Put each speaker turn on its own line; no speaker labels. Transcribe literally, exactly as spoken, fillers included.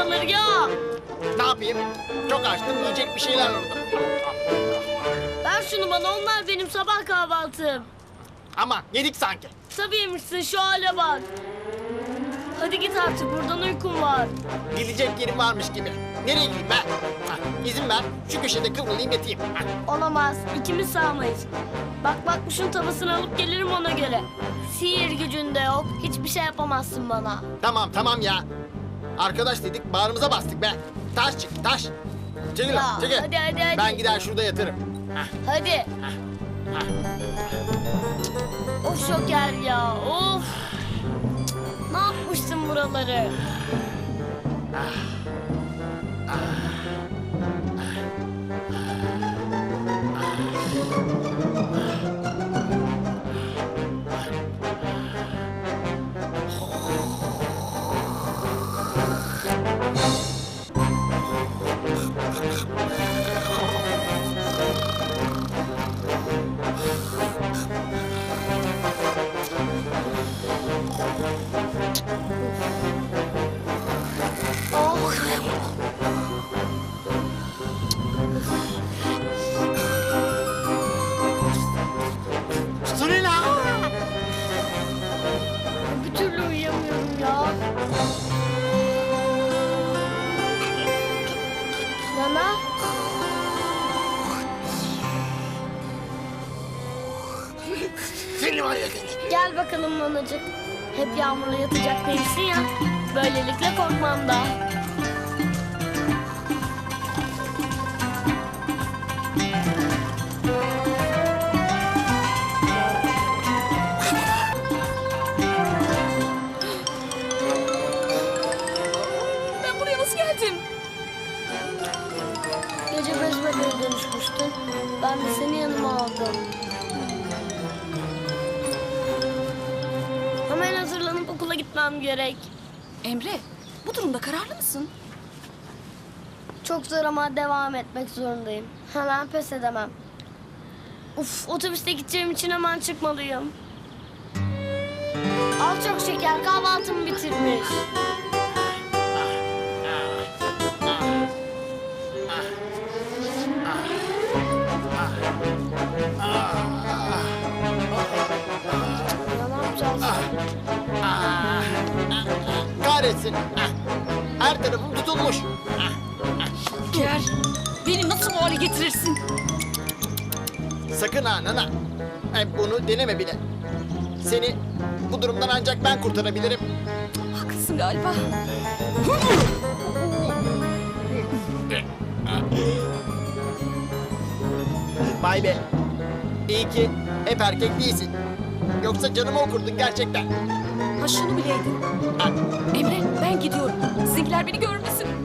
paraları ya.
Ne yapayım? Çok açtım, yiyecek bir şeyler aradım.
Ver şunu bana, onlar benim sabah kahvaltım.
Ama yedik sanki.
Tabii yemişsin, şu hale bak. Hadi git artık, buradan uykum var.
Gidecek yerim varmış gibi. Nereye gideyim ben? Hah, İzin ver, şu köşede kıvrılayım yatayım. Hah.
Olamaz, ikimiz sağmayız. Bak bak, şunun tavasını alıp gelirim ona göre. Sihir gücünde yok, hiçbir şey yapamazsın bana.
Tamam tamam ya. Arkadaş dedik, bağrımıza bastık be. Taş çık, taş. Çekil
Ya,
lan, çekil.
hadi, hadi, hadi.
Ben gider şurada yatırım. Hah,
Hadi.
hah.
Of Şoker ya, of. Ne yapmışsın buraları? Oh.
Sunila!
Bir türlü uyuyamıyorum ya. Nana?
Seni var ya seni.
Gel bakalım nanacık. Hep yağmurla yatacak değilsin ya. Böylelikle korkmam da.
Ben buraya nasıl geldim?
Gece bez bebeğe dönüşmüştün. Ben de seni yanıma aldım. Hemen hazırlanıp okula gitmem gerek.
Emre, bu durumda kararlı mısın?
Çok zor ama devam etmek zorundayım. Hemen pes edemem. Uf, otobüste gideceğim için hemen çıkmalıyım. Al çok şeker, kahvaltımı bitirmiş. Ya ne yapacağız?
Kahretsin. Hah. Her tarafım tutulmuş. Hah.
Gel. Beni nasıl bu hale getirirsin?
Sakın ha nana. E, bunu deneme bile. Seni bu durumdan ancak ben kurtarabilirim.
Haklısın galiba.
Vay be. İyi ki hep erkek değilsin. Yoksa canımı okurdun gerçekten.
Ha şunu bileydin.
Ha,
Emre, ben gidiyorum. Sizinkiler beni görmesin.